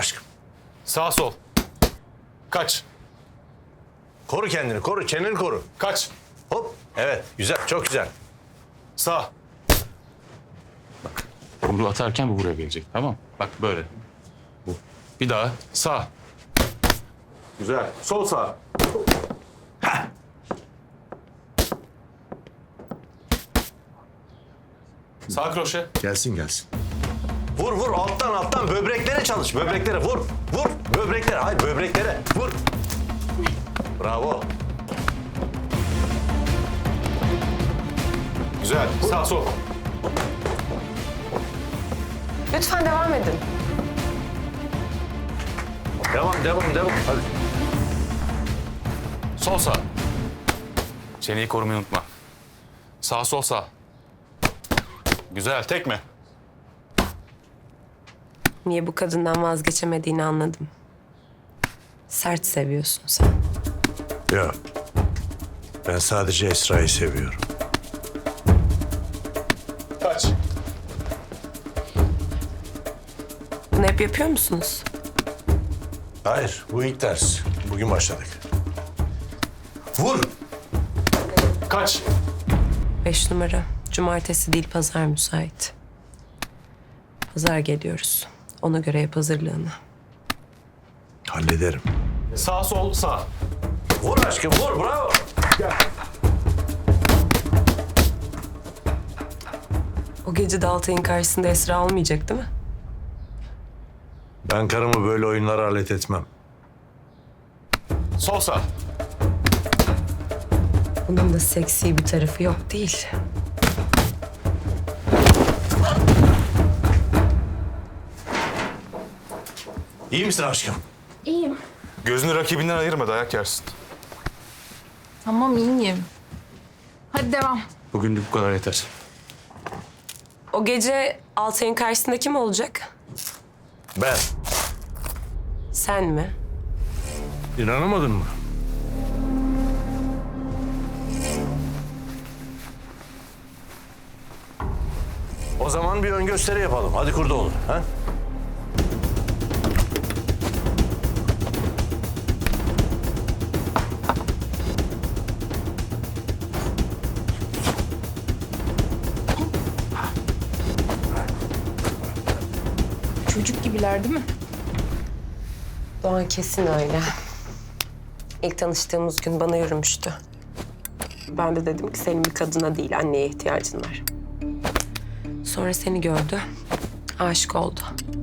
aşkım. Sağ sol. Kaç. Koru kendini, koru. Çeneni koru. Kaç. Hop. Evet, güzel, çok güzel. Sağ. Yumruğu atarken bu buraya gelecek. Tamam. Bak böyle. Bu. Bir daha. Sağ. Güzel. Sol sağ. Sağ kroşe. Gelsin, gelsin. Vur, vur. Alttan. Böbreklere çalış. Böbreklere vur. Vur. Böbreklere. Hayır, böbreklere. Vur. Bravo. Güzel. Sağ sol. Lütfen devam edin. Devam. Hadi. Sol sağ. Çeneyi korumayı unutma. Sağ sol sağ. Güzel. Tekme. Niye bu kadından vazgeçemediğini anladım. Sert seviyorsun sen. Yok. Ben sadece Esra'yı seviyorum. Kaç. Bunu hep yapıyor musunuz? Hayır, bu ilk ders. Bugün başladık. Vur. Kaç. 5 numara. Cumartesi değil, pazar müsait. Pazar geliyoruz. Ona göre yap hazırlığını. Hallederim. Sağ sol sağ. Vur aşkım, vur. Bravo. O gece de Altay'ın karşısında Esra olmayacak değil mi? Ben karımı böyle oyunlara alet etmem. Sol sağ. Bunun da seksi bir tarafı yok değil. İyi misin aşkım? İyiyim. Gözünü rakibinden ayırma, dayak yersin. Tamam iyiyim. Hadi devam. Bugünlük bu kadar yeter. O gece Altay'ın karşısında kim olacak? Ben. Sen mi? İnanamadın mı? O zaman bir ön gösteri yapalım. Hadi Kurdoğlu. Ha? Çocuk gibiler değil mi? Doğan kesin öyle. İlk tanıştığımız gün bana yürümüştü. Ben de dedim ki senin bir kadına değil, anneye ihtiyacın var. Sonra seni gördü, aşık oldu.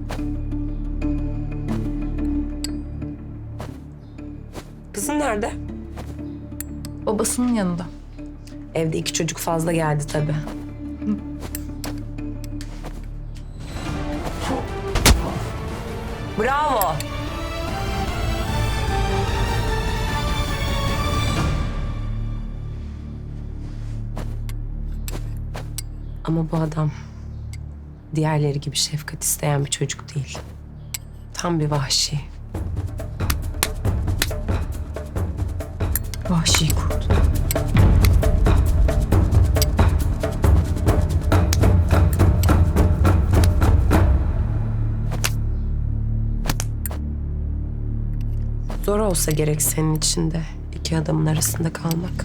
Kızın nerede? Babasının yanında. Evde 2 çocuk fazla geldi tabii. Bravo. Ama bu adam diğerleri gibi şefkat isteyen bir çocuk değil. Tam bir vahşi. Vahşi kurt. Zor olsa gerek senin için de 2 adamın arasında kalmak.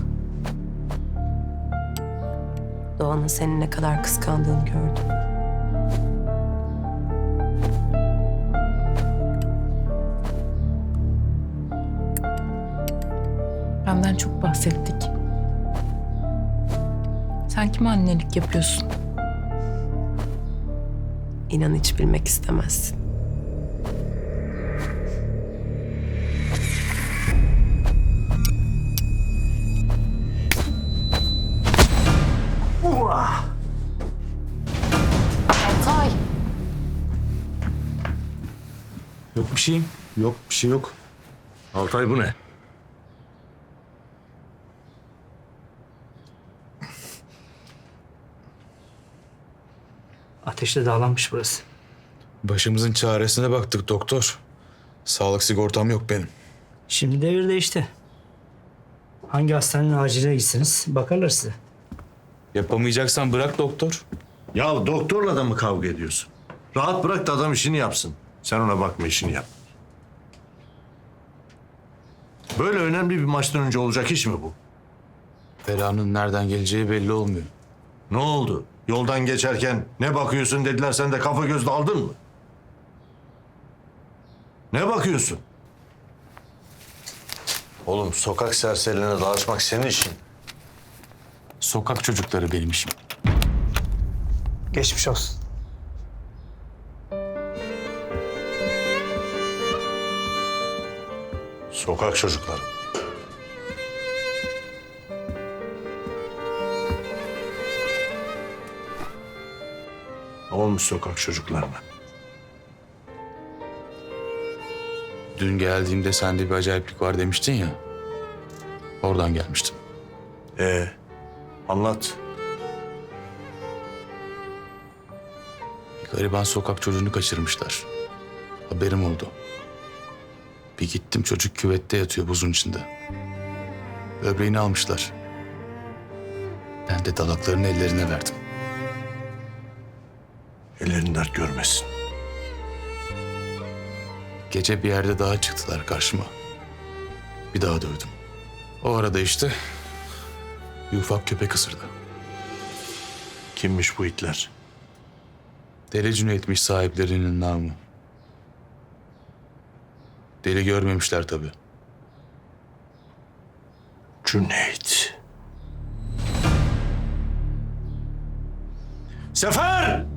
Doğan'ın seni ne kadar kıskandığını gördüm. Benden çok bahsettik. Sen kime annelik yapıyorsun? İnan hiç bilmek istemezsin. Altay. Yok bir şeyim. Yok bir şey yok. Altay bu ne? Ateşle dağlanmış burası. Başımızın çaresine baktık doktor. Sağlık sigortam yok benim. Şimdi devir değişti. Hangi hastanenin aciline gitsiniz bakarlar size. Yapamayacaksan bırak doktor. Ya doktorla da mı kavga ediyorsun? Rahat bırak da adam işini yapsın. Sen ona bakma, işini yap. Böyle önemli bir maçtan önce olacak iş mi bu? Belanın nereden geleceği belli olmuyor. Ne oldu? Yoldan geçerken ne bakıyorsun dediler, sen de kafa göz daldın mı? Ne bakıyorsun? Oğlum sokak serserilerine dağıtmak senin işin. Sokak çocukları benim işim. Geçmiş olsun. Sokak çocukları. Ne olmuş sokak çocuklarına? Dün geldiğimde sende bir acayiplik var demiştin ya. Oradan gelmiştim. Anlat. Bir gariban sokak çocuğunu kaçırmışlar. Haberim oldu. Bir gittim, çocuk küvette yatıyor buzun içinde. Böbreğini almışlar. Ben de dalaklarını ellerine verdim. Ellerin dert görmesin. Gece bir yerde daha çıktılar karşıma. Bir daha dövdüm. O arada işte bir ufak köpek ısırdı. Kimmiş bu itler? Deli Cüneyt'miş sahiplerinin namı. Deli görmemişler tabii. Cüneyt. Sefer!